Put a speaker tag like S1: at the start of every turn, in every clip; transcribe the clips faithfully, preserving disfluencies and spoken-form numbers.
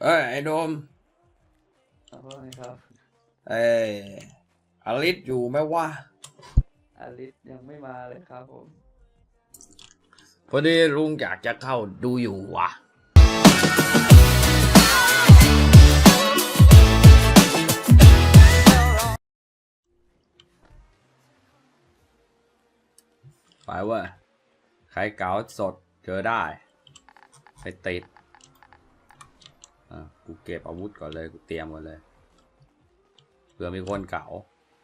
S1: เอ้ยไอ้โดม
S2: ขอโทษนะครับ
S1: เอ้ยอลิสอยู่ไหมวะ
S2: อลิสยังไม่มาเลยครับผม
S1: พอดีลุงอยากจะเข้าดูอยู่วะไปเว้ยใครเก๋าสดเจอได้ไปติดอ่ะกูเก็บอาวุธก่อนเลยกูเตรียมก่อนเลยเผื่อมีคนเก๋า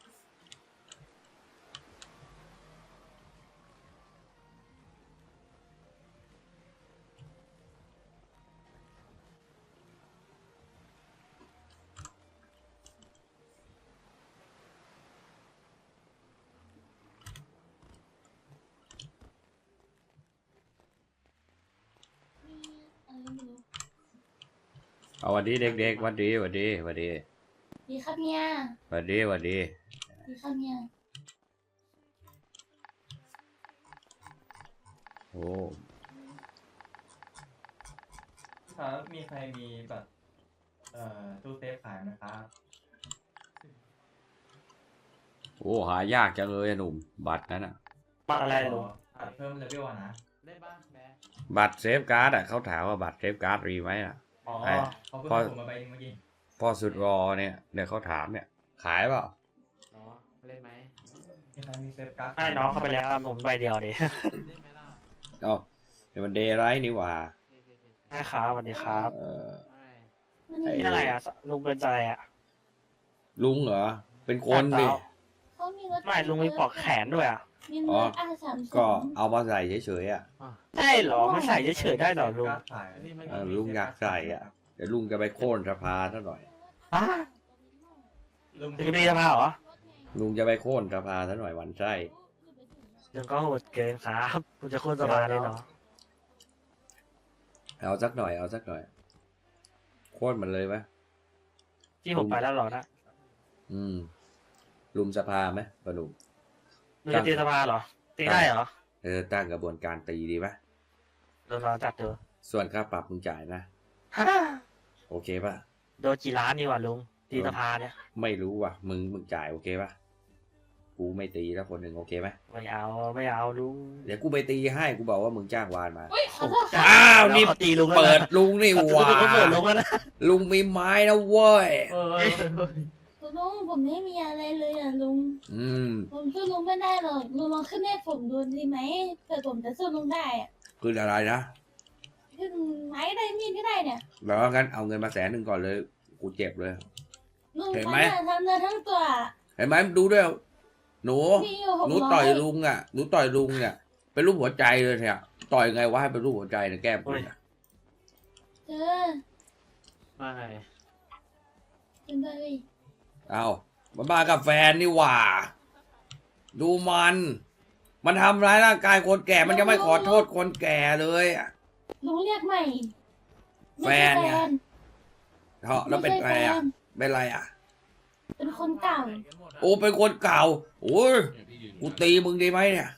S1: เอาวันดีเด็กๆวันดีวันดีวันดี
S3: ดีครับเนี่ย
S1: วันดีวันดี
S3: ดีครับเนี่ย
S1: โอ้
S4: ครับมีใครมีแบบเอ่อตู้เซฟขายไหมครับ
S1: โหหายากจังเลยหนุ่มบัตรนั้นอ่ะ
S5: บัตรอะไรลุง
S4: บัตรเพิ่มเลเวลอะนะ
S5: ได้บ้างแม่
S1: บัตรเซฟการ์ดอ่ะเขาถามว่าบัตรเซฟการ์ดรีไหมอ่ะ
S4: อ๋อเขาเพิ่งส่งมาใบนึงเมื่อกี้
S1: พ่อสุดรอเนี่ยเดี๋ยวเขาถามเนี่ยขายเปล่า
S5: น้องเล่นไหม
S4: มีใครมีเซฟการ์ด
S5: ให้น้องเข้าไปแล้วผมใบเดียวดิ
S1: เอ้าเดี๋ยวมันเดย์ไรนี่หว่า
S5: ใช่ครับสวัสดีครับ
S1: เออ
S5: นี่อะไรอ่ะลุงเป็นใจอ่ะ
S1: ลุงเหรอเป็นคนดิ
S3: เขามีรถ
S5: ไม่ลุงมีปลอกแขนด้วยอ่ะ
S3: มีรถอาสาม
S1: ก็เอามาใส่เฉยๆอ่ะ
S5: ใช่หรอไม่ใส่เฉยๆได้หรอลุง
S1: เออลุงอยากใส่อ่ะเดี๋ยวลุงจะไปโค่นสภาซะหน่อย
S5: อ่ะลุงจะมีสภาเหรอ
S1: ลุงจะไปโค่นสภาซะหน่อยวันไส้
S5: ยังก็โหดเกินครับคุณจะโค่นสภาเลยเหรอ
S1: เอาสักหน่อยเอาสักหน่อยโค่นมันเลยไหม
S5: ที่ผมไปแล้วหรอนะ
S1: อืมลุมสภาไหมปะหนุ่ม
S5: ลุงจะตีสภาเหรอตีได้เหรอ
S1: เออตั้งกระบวนการตีดีไหม
S5: โดนเราจับเจอ
S1: ส่วนค่าปรับมึงจ่ายนะโอเคป่ะ
S5: โดนกี่ล้านนี่วะลุงตีสภาเนี่ย
S1: ไม่รู้ว่ะมึงมึงจ่ายโอเคป่ะกูไม่ตีแล้วคนหนึ่งโอเคไหม
S5: ไม่เอาไม่เอาลุง
S1: เดี๋ยวกูไปตีให้กูบอกว่ามึงจ้างวานมา
S3: อ้า
S1: วนี่
S5: ตีลุง
S1: เปิดลุงนี่หว่าลุงมีไม้นะเว้ย
S3: ลุงผมไม่มีอะไรเลยอ่ะลุง
S1: อืม
S3: ผมสู้ลุงไม่ได้หรอกลุงลองขึ้นให้ผมดูดีไหมเผื่อผมจะสู้ลุงได้อ่ะ
S1: คืออะไรนะ
S3: ขึ้นไม้ได้มีดก็ได้เนี่ย
S1: แล้วงั้นเอาเงินมาแสนหนึ่งก่อนเลยกูเจ็บเลย
S3: เห็นไหมทำเนื้อทั้งตัว
S1: เห็นไหมดูด้วยหนูหนูต่อยลุงอ่ะหนูต่อยลุงเนี่ยเป็นรูปหัวใจเลยเนี่ยต่อยไงวะให้เป็นรูปหัวใจเนี่ยแก้มกูเนี่ย
S3: เจอ
S5: มาไง
S3: เป็นไง
S1: เอามันมากับแฟนนี่หว่าดูมันมันทำร้ายร่างกายคนแก่มันจะไม่ขอโทษคนแก่เลยอ่ะ
S3: ลุงเรียกใหม่
S1: แฟนเนี่ยเหรอแล้วเป็นอะไรอ่ะเป็นอะไรอ่ะ
S3: เป็นคนเก่า
S1: โอ้เป็นคนเก่าโอ้ยกูตีมึงดีไหมเนี่ย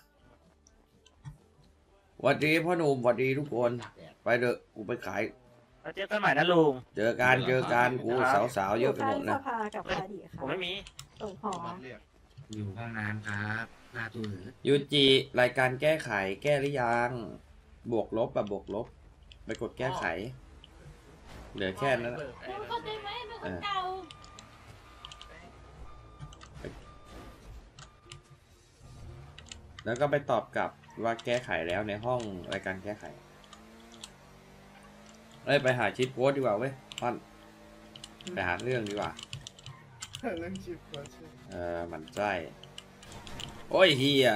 S1: สวัสดีพ่อหนุ่มสวัสดีทุกคนไปเถอะกูไปขาย
S5: เจอกันใหม่นะลุง
S1: เจอกันเจอกันกูสาวๆเยอะไปหมดนะ
S5: ผมไม่มี
S3: ส่งหอ
S5: อยู่ห้องน้ำครับหน้าตู้
S1: ยูจิรายการแก้ไขแก้หรือยังบวกลบแบบบวกลบไปกดแก้ไขเหลือแค่นั้น
S3: เข้าใจไหมเป็นคนเก่า
S1: แล้วก็ไปตอบกลับว่าแก้ไขแล้วในห้องรายการแก้ไขเอ้ยไปหาชิปโพสดีกว่าเว้ยท่อนไปหาเรื่องดีกว่า
S6: เรื่องชิปโพส
S1: เออมันใจโอ้ยเฮีย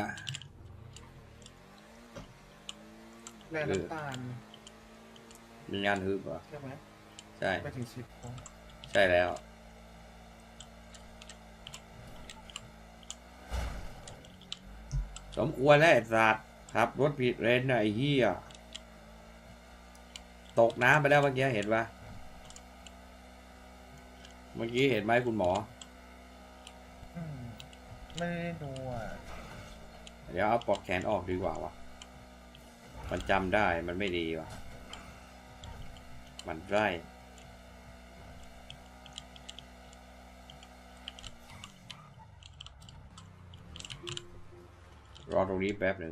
S6: แร่น้ำตาล
S1: มีงานฮึบเหรอ
S6: ใช่ไหม
S1: ใช่
S6: ไปถึงชิป
S1: ใช่แล้วสมควรแล้วไอ้สัตว์ครับรถผิดเลนไอ้เหี้ยตกน้ำไปแล้วเมื่อกี้เห็นปะเมื่อกี้เห็นไหมคุณหมอ
S6: ไม่ได้ดูอ่ะ
S1: เดี๋ยวเอาปลอกแขนออกดีกว่าวะมันจำได้มันไม่ดีวะมันไร่รอตรงนี้แป๊บหนึ่ง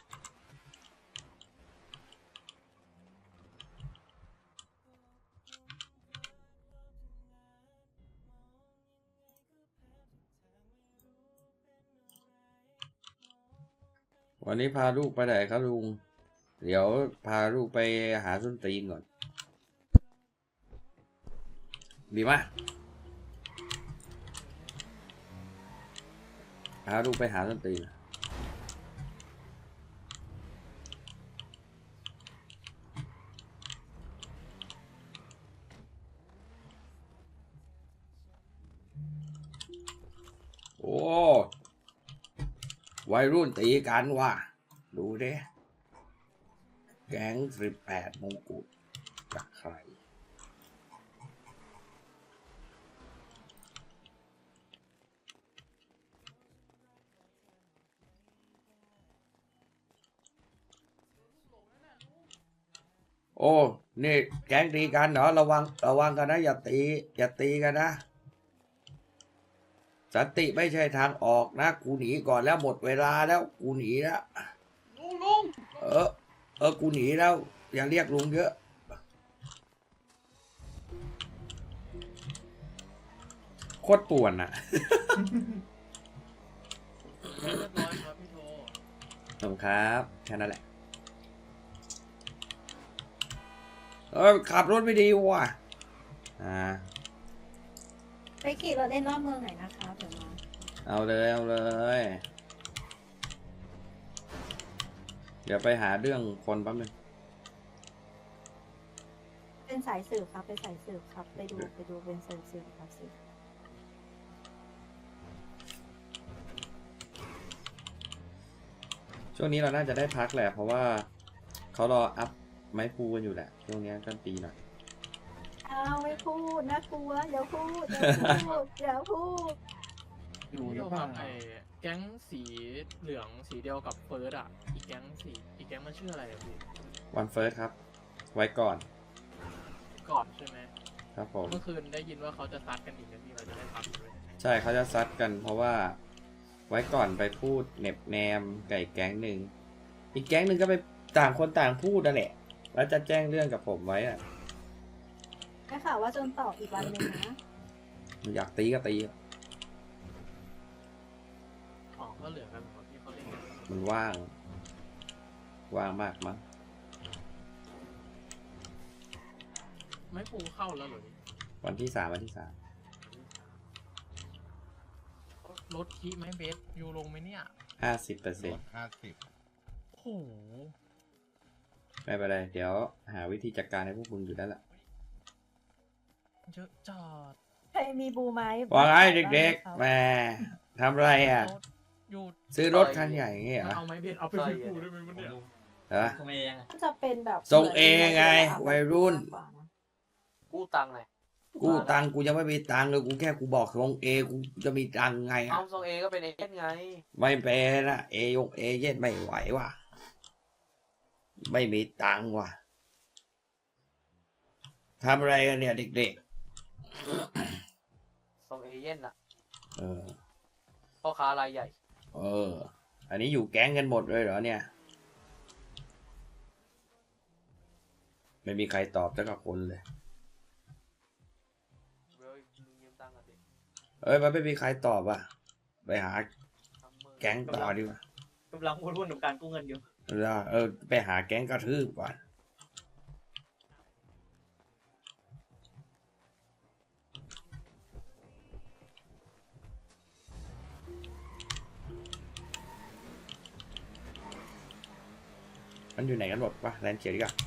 S1: วันนี้พาลูกไปไหนครับลุง เดี๋ยวพาลูกไปหาส้นตีนก่อน ดีมากพาลูกไปหาส้นตีน โอ้วัยรุ่นตีกันว่ะ ดูเด้แก๊งสิบแปดมงกุฎจากใคร โอ้ นี่แก๊งตีกันเหรอ ระวัง ระวังกันนะ อย่าตี อย่าตีกันนะ สันติไม่ใช่ทางออกนะ กูหนีก่อนแล้วหมดเวลาแล้ว กูหนีแล้วลุงลุงเออ เออ กูหนีแล้ว อย่าเรียกลุงเยอะ โคตรป่วนอ่ะ
S7: เรียบร้อยครับพี่โท
S1: ขอบคุณครับ แค่นั้นแหละ เออ ขับรถไม่ดีว่ะ อ่า
S3: ไปขี่รถเล่นรอบเมืองหน่อยนะคะเดี๋ยวมา
S1: เอาเลย เอาเลย เดี๋ยวไปหาเรื่องคนแป๊บนึง
S3: เป็นสายสืบครับเป็นสายสืบครับไปดูไปดูเป็นสายสืบครับสืบ
S1: ช่วงนี้เราน่าจะได้พักแหละ เพราะว่าเขารออัพไม้พูกันอยู่แหละ ช่วงนี้กันปีหน่อย
S3: อ้าวไม่พูดน่ากลัวอย่าพูดอย่าพูดอย่าพูด
S6: อยู่ห
S7: พี่
S6: รื
S7: โท
S6: อเป
S7: ค
S6: ล่า
S7: รับไอ้แก๊งสีเหลืองสีเดียวกับเฟิร์สอ่ะ อีกแก๊งสีอีกแก๊งมันชื่ออะไรอะพี่
S1: วันเฟิร์สครับ ไว้ก่อน
S7: ก่อนใช่ไหม
S1: ครับผม
S7: เมื่อคืนได้ยินว่าเขาจะซัดกันอีกนะพี่เราจะได้พักด้วย
S1: ใช่เขาจะซัดกันเพราะว่าไว้ก่อนไปพูดเหน็บแนมไก่แก๊งหนึ่ง อีกแก๊งหนึ่งก็ไปต่างคนต่างพูดนั่นแหละ แล้วจะแจ้งเรื่องกับผมไว้อะ
S3: ได้ข่าวว่าจนต่ออีกวันหนึ่งนะ
S1: อยากตีก็ตี
S7: อ๋อก็เหลือกันหมดที่เขาเล่นกัน
S1: มันว่าง ว่างมากมั้ง
S7: ไม่ปูเข้าแล้วเหรอพี่
S1: วันที่สามวันที่สาม
S7: รถคีไหมเบสยูลงไหมเนี่ย
S1: ห้าสิบเปอร์เซ็นต์
S6: ห้าสิบ
S7: โอ้โห
S1: ไม่เป็นไร เดี๋ยวหาวิธีจัดการให้พวกมึงอยู่แล้วล่ะ
S7: เยอะจัด
S3: ใครมีบูไหม
S1: ว่าไงเด็กๆแหม่ทำไรอ่ะ
S7: รถหยุด
S1: ซื้อรถคันใหญ่อย่างเงี้ยเหรอ
S7: เอาไหมเบสเอาไปพี่ปูได้ไหมวะเนี่ย
S1: เหรอ
S4: ทำไมยังไง
S3: จะเป็นแบบ
S1: ทรงเอไงวัยรุ่น
S8: กู้ตังค์ไง
S1: กูตังค์กูยังไม่มีตังค์เลยกูแค่กูบอกทรงเอกูจะมีตังค์ไง
S8: เอา
S1: อ่ะ
S8: ทรงเอก็เป็นเอเจนต์ไง
S1: ไม่เป็นนะเอยงเอเย็นไม่ไหวว่ะ ไม่มีตังค์ว่ะทำอะไรกันเนี่ยเด็ก
S8: ทรงเอเจนต์อะ
S1: ๆ เออ
S8: พ่อค้ารายใหญ่
S1: เออ อันนี้อยู่แก๊งกันหมดเลยเหรอเนี่ย ไม่มีใครตอบสักคนเลย
S8: เว้ยมึงยืมตังค์อ่ะดิ
S1: เอ้ยมันไม่มีใครตอบอ่ะ ไปหา
S8: ทำมือ
S1: แก๊งต่อดีกว่าก
S4: ำลังวุ่นๆกับการกู้เงินอยู่
S1: เออเออไปหาแก๊งกระทืบก่อนมันอยู่ไหนกันหมดวะแลนเขียวดีกว่า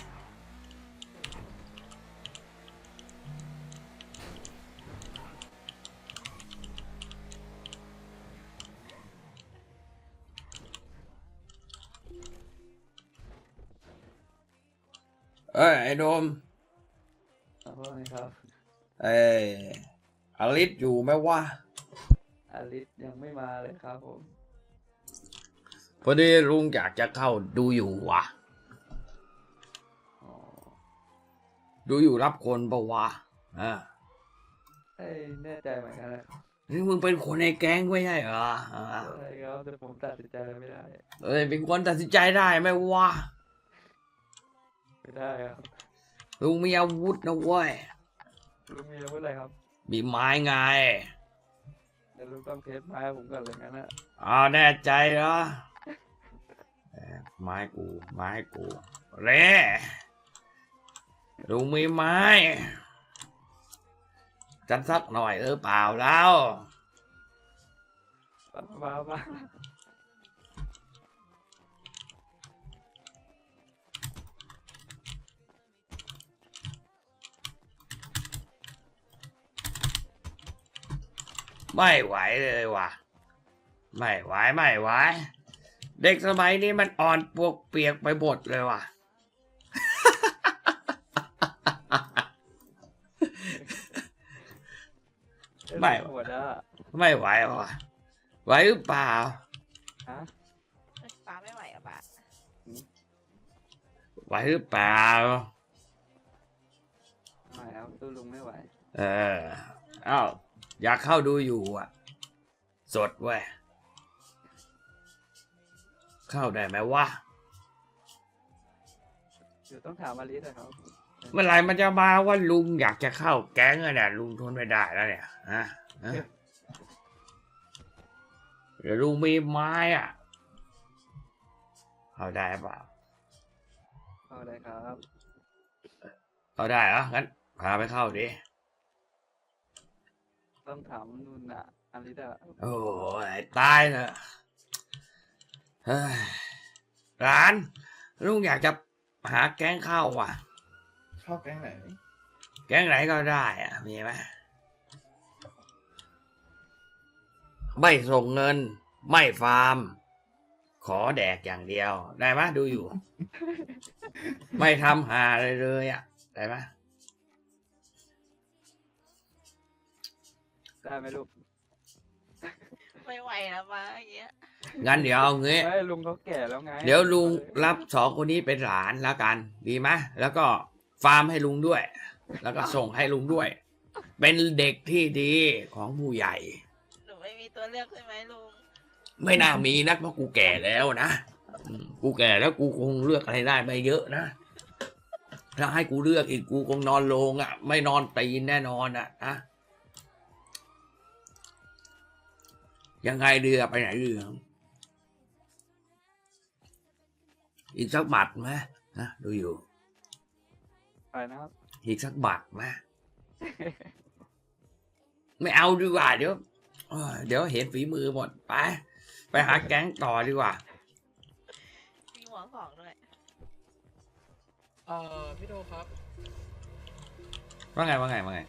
S1: เอ้ยไอ้โดม
S2: เอาว่าไงครับ
S1: เอ้ยอลิสอยู่ไหมวะ
S2: อลิสยังไม่มาเลยครับผม
S1: พอดีลุงอยากจะเข้าดูอยู่วะ
S2: อ๋อ
S1: ดูอยู่รับคนปะวะอ่า
S2: เอ้ยแน่ใจเหมือนกันนะ
S1: นี่มึงเป็นคนในแก๊งไม่ใช่เหรออ่า
S2: ใช่ครับแต่ผมตัดสินใจอะไรไม่ได้
S1: เอ้ยเป็นคนตัดสินใจได้ไหมวะ
S2: ไม่ได้ครับ
S1: ลุงมีอาวุธนะเว้ย
S2: ลุงมีอาวุธอะไรครับ
S1: มีไม้ไง
S2: เดี๋ยวลุงต้องเทสไม้ผมก่อนเลยงั้นนะ
S1: เอาแน่ใจเหรอเอ้ยไม้กูไม้กูเร่ลุงมีไม้จัดสักหน่อยเออเปล่าแล้ว
S2: มามามา
S1: ไม่ไหวเลยว่ะ ไม่ไหวไม่ไหว เด็กสมัยนี้มันอ่อนปวกเปียกไปหมดเลยว่ะ ไม่
S2: หัวหน้า
S1: ไม่ไหวว่ะ ไหวหรือเปล่า
S2: ฮะ
S9: ป้าไม่ไหวอะป้า
S1: ไหวหรือเปล่า
S2: ไม่ครับตู้ลุงไม่ไหว
S1: เออเอ้าอยากเข้าดูอยู่อ่ะ สดเว้ย เข้าได้ไหมวะ
S2: เดี๋ยวต้องถามอลิสนะครับ
S1: เมื่อไหร่มันจะมาว่าลุงอยากจะเข้าแก๊งอะเนี่ยลุงทนไม่ได้แล้วเนี่ยฮะฮะเดี๋ยวลุงมีไม้อ่ะ เข้าได้เปล่า
S2: เอาเลยครับ
S1: เข้าได้เหรองั้นพาไปเข้าดิ
S2: ต้องถามนุ่นอะอลิสอะ
S1: โอ้ยตายเถอะเฮ้ยร้านลุงอยากจะหาแก๊งเข้าว่ะ
S6: ชอบแก๊งไหน
S1: แก๊งไหนก็ได้อะมีไหมไม่ส่งเงิน ไม่ฟาร์ม ขอแดกอย่างเดียว ได้ไหมดูอยู่ ไม่ทำหาอะไรเลยอ่ะ ได้ไหม
S2: ได้ไหมลูก
S9: ไม่ไหวแล้วป้าอย่างเงี้ย
S1: งั้นเดี๋ยวเอางี้
S2: ไม่ลุงเขาแก่แล้วไง
S1: เดี๋ยวลุงรับสองคนนี้เป็นหลานแล้วกัน ดีไหมแล้วก็ฟาร์มให้ลุงด้วย แล้วก็ส่งให้ลุงด้วย เป็นเด็กที่ดีของผู้ใหญ่
S9: หนูไม่มีตัวเลือกใช่ไหมลุง
S1: ไม่น่ามีนักเพราะกูแก่แล้วนะอืมกูแก่แล้วกูคงเลือกอะไรได้ไม่เยอะนะถ้าให้กูเลือกอีกกูคงนอนโรงอ่ะ ไม่นอนตีนแน่นอนอ่ะนะยังไงเดือไปไหนเดืออีกสักบัตรไหมนะดูอยู่
S2: ไปนะครับ
S1: อีกสักบัตรไหม ไม่เอาดีกว่าเดี๋ยวเอ้ยเดี๋ยวเห็นฝีมือหมดไป ไปหาแก๊งต่อดีกว่า
S9: มีหัวของด้วย
S7: เอ่อพี่โดครับ
S1: ว่าไงว่าไงว่าไง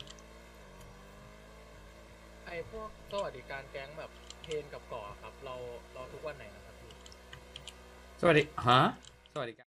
S7: ไอ้พวกสวัสดิการแก๊งแบบเทรนกับก่อครับ เราเราทุกวันไหนนะครับพี่
S1: สวัสดีฮะสวัสดีครับ